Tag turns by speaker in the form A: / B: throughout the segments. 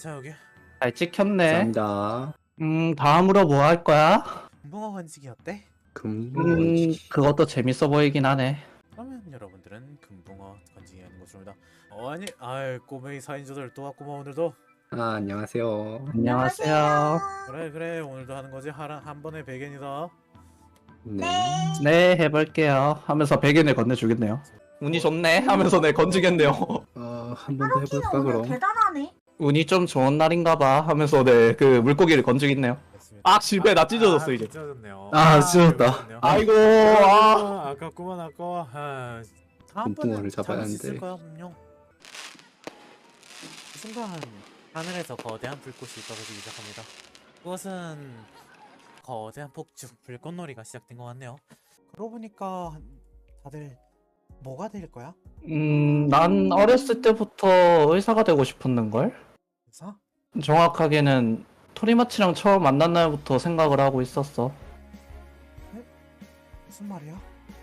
A: 자 여기
B: 잘 찍혔네.
C: 감사합니다.
B: 다음으로 뭐 할 거야?
A: 금붕어 건지기 어때?
C: 금붕어지.
B: 그것도 재밌어 보이긴 하네.
A: 그러면 여러분들은 금붕어 건지기 하는 것입니다. 아니 꼬맹이 4인조들 또 왔구만 오늘도.
C: 안녕하세요.
B: 안녕하세요.
A: 그래 오늘도 하는 거지. 한 번에 100엔이다.
C: 네.
B: 네, 해볼게요. 하면서 백엔을 건네주겠네요. 운이 좋네 하면서 네 건지겠네요.
C: 한 번 더 해볼까
D: 오늘
C: 그럼?
D: 대단하네.
B: 운이 좀 좋은 날인가봐 하면서 네 그 물고기를 건지겠네요.
A: 됐습니다.
B: 아 실패, 나 찢어졌어 이제.
A: 찢어졌네요.
C: 찢어졌다.
B: 아이고.
A: 아깝구만 아까워. 다음번에
C: 금붕어를 잡아야
A: 잡을 수 있을
C: 하는데.
A: 거야 분명. 그 순간 하늘에서 거대한 불꽃이 떨어지기 시작합니다. 그것은 거대한 폭죽 불꽃놀이가 시작된 것 같네요. 그러고 보니까 다들 뭐가 될 거야?
B: 난 어렸을 때부터 의사가 되고 싶었는걸?
A: 의사?
B: 정확하게는 토리마치랑 처음 만난 날부터 생각을 하고 있었어.
A: 무슨 말이야?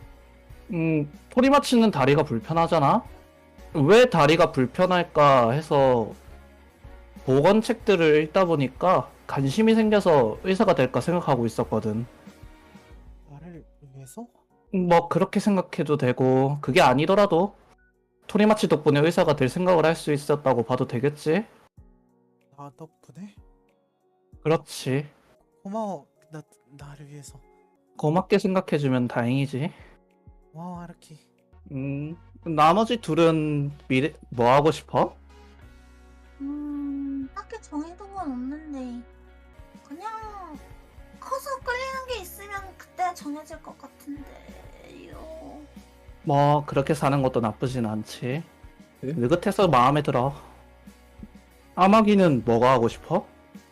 B: 토리마치는 다리가 불편하잖아? 왜 다리가 불편할까 해서 보건책들을 읽다 보니까 관심이 생겨서 의사가 될까 생각하고 있었거든.
A: 나를 위해서?
B: 뭐 그렇게 생각해도 되고, 그게 아니더라도 토리마치 덕분에 의사가 될 생각을 할 수 있었다고 봐도 되겠지?
A: 나 덕분에?
B: 그렇지.
A: 고마워. 나를 위해서.
B: 고맙게 생각해주면 다행이지.
A: 고마워 하루키.
B: 나머지 둘은 미래 뭐 하고 싶어?
D: 딱히 정해둔 건 없는데 그냥 커서 끌리는 게 있으면 그때 정해질 것 같은데요.
B: 뭐 그렇게 사는 것도 나쁘진 않지.
C: 네?
B: 느긋해서 마음에 들어. 아마기는 뭐가 하고 싶어?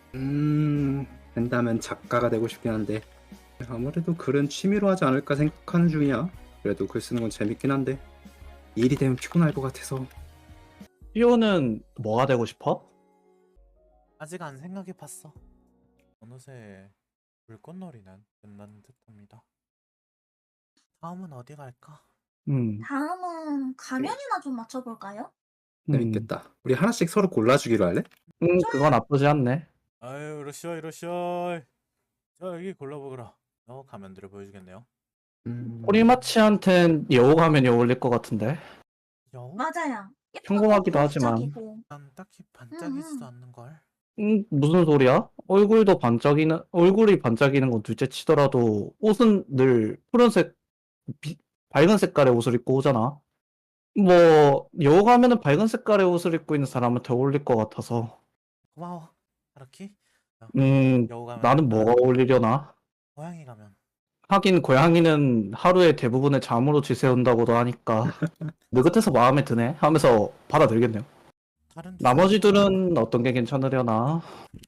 C: 된다면 작가가 되고 싶긴 한데 아무래도 글은 취미로 하지 않을까 생각하는 중이야. 그래도 글 쓰는 건 재밌긴 한데 일이 되면 피곤할 것 같아서.
B: 시오는 뭐가 되고 싶어?
A: 아직 안 생각해봤어. 어느새 불꽃놀이는 끝난 듯합니다. 다음은 어디 갈까?
D: 다음은 가면이나 좀 맞춰볼까요?
C: 재밌겠다. 우리 하나씩 서로 골라주기로 할래?
B: 그거 나쁘지 않네.
A: 아유 이러시오. 자 여기 골라보거라. 가면들을 보여주겠네요.
B: 토리마치한텐 여우 가면이 어울릴 것 같은데.
A: 여우?
D: 맞아요. 예쁘고
B: 평범하기도 하지만.
D: 반짝이고.
A: 난 딱히 반짝이지도 않는걸.
B: 무슨 소리야? 얼굴이 반짝이는 건 둘째 치더라도 옷은 늘 푸른색, 밝은 색깔의 옷을 입고 오잖아. 뭐 여우 가면은 밝은 색깔의 옷을 입고 있는 사람한테 어울릴 것 같아서.
A: 고마워 하루키. 여우 가면
B: 나는 뭐가 어울리려나?
A: 고양이 가면.
B: 하긴 고양이는 하루의 대부분을 잠으로 지새운다고도 하니까 느긋해서 마음에 드네 하면서 받아들겠네요.
A: 다른
B: 나머지들은 어떤 게 괜찮으려나?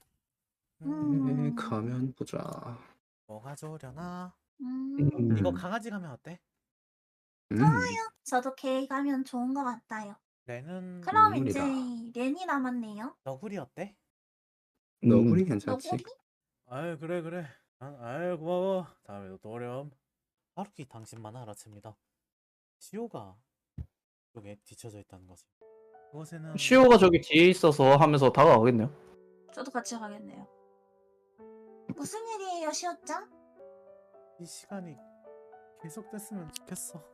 C: 가면 보자.
A: 뭐가 좋으려나?
D: 음,
A: 이거 강아지 가면 어때?
D: 저도 개 가면 좋은 것 같아요.
A: 레는
D: 그럼
C: 동물이다.
D: 이제 렌이 남았네요.
A: 너구리 어때?
C: 너구리 괜찮지?
D: 너구리?
A: 아유 그래. 아유 고마워. 다음에도 또 오렴. 하루키 당신만 알아챕니다. 시오가 쪽에 뒤쳐져 있다는 거지. 그곳에는
B: 시오가 저기 뒤에 있어서 하면서 다가가겠네요.
D: 저도 같이 가겠네요. 무슨 일이에요, 시오짱?
A: 이 시간이 계속됐으면 좋겠어.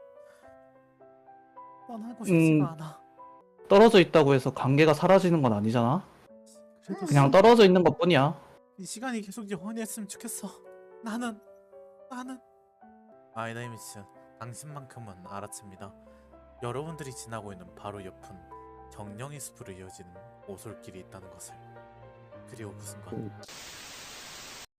A: 떠나고 싶지가 않아.
B: 떨어져 있다고 해서 관계가 사라지는 건 아니잖아.
A: 그래도
B: 그냥 떨어져 있는 것뿐이야.
A: 이 시간이 계속 영원히 했으면 좋겠어. 나는 아이다이미츠 당신만큼은 알아챕니다. 여러분들이 지나고 있는 바로 옆은 정령의 숲으로 이어지는 오솔길이 있다는 것을. 그리고 그 순간